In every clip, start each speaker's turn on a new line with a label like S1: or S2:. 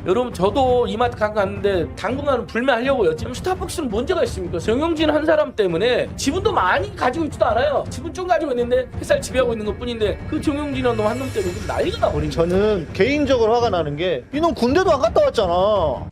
S1: 여러분 저도 이마트 갔는데 당분간은 불매하려고요. 지금 스타벅스는 문제가 있습니까? 정영진 한 사람 때문에 지분도 많이 가지고 있지도 않아요. 지분 좀 가지고 있는데 회사를 지배하고 있는 것 뿐인데 그 정영진이라는 놈 한 놈 때문에 좀 난리가 나버린 거예요.
S2: 저는 개인적으로 화가 나는 게 이놈 군대도 안 갔다 왔잖아.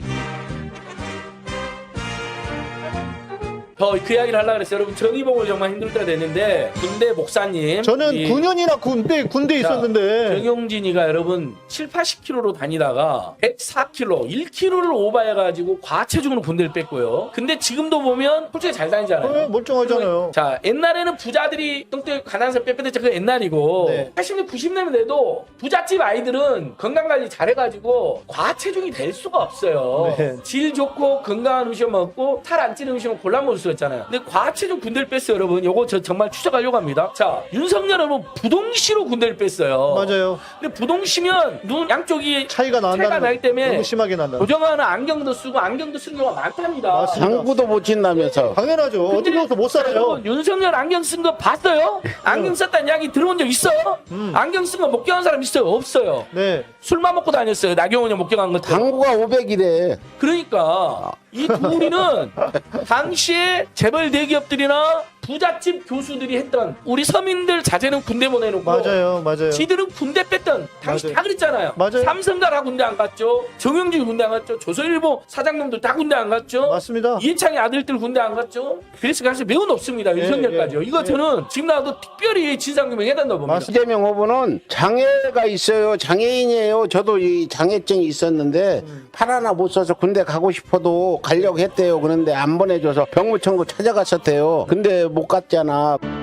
S1: 그 이야기를 하려고 그랬어요. 여러분 정의봉을 정말 힘들 때가 됐는데 군대 목사님
S2: 저는
S1: 이
S2: 9년이나 군대 있었는데
S1: 정용진이가 여러분 7, 80kg로 다니다가 104kg, 1kg를 오버해가지고 과체중으로 군대를 뺐고요. 근데 지금도 보면 솔직히 잘 다니잖아요.
S2: 멀쩡하잖아요.
S1: 자, 옛날에는 부자들이 똥대 가난해서 빼빼댔죠. 그 옛날이고
S2: 네.
S1: 80년, 90년대 돼도 부잣집 아이들은 건강관리 잘해가지고 과체중이 될 수가 없어요.
S2: 네.
S1: 질 좋고 건강한 음식 먹고 살 안 찌는 음식을 골라 먹을 수 있잖아요. 근데 과체중 군대를 뺐어요, 여러분. 요거 저 정말 추적하려고 합니다. 자, 윤석열 여러분 부동시로 군대를 뺐어요.
S2: 맞아요.
S1: 근데 부동시면 눈 양쪽이
S2: 차이가 나기
S1: 때문에
S2: 너무 심하게 난다.
S1: 고정하는 안경도 쓰고 안경도 쓰는 경우가 많답니다.
S2: 맞습니다.
S3: 당구도 못 친다면서.
S2: 당연하죠. 어떻게 해서 못 살아요.
S1: 여러분, 윤석열 안경 쓴 거 봤어요? 안경 썼다는 이야기 들어본 적 있어요? 안경 쓴 거 목격한 사람 있어요? 없어요.
S2: 네.
S1: 술만 먹고 다녔어요. 나경원이 목격한 것들.
S3: 당구가 500이래.
S1: 그러니까 이 둘이는 당시에 재벌 대기업들이나 부잣집 교수들이 했던 우리 서민들 자제는 군대 보내놓고
S2: 맞아요.
S1: 지들은 군대 뺐던 당시
S2: 맞아요.
S1: 다 그랬잖아요.
S2: 맞아요.
S1: 삼성가 다 군대 안 갔죠. 정영진 군대 안 갔죠. 조선일보 사장님들 다 군대 안 갔죠.
S2: 맞습니다.
S1: 이해창의 아들들 군대 안 갔죠. 그래서 가능성이 매우 높습니다. 윤석열까지요. 이거 저는 지금 나와도 특별히 진상규명해야 된다고 봅니다.
S3: 이재명 후보는 장애가 있어요. 장애인이에요. 저도 이 장애증이 있었는데 팔 하나 못 써서 군대 가고 싶어도 가려고 했대요. 그런데 안 보내줘서 병무청구 찾아갔었대요. 근데 못 갔잖아.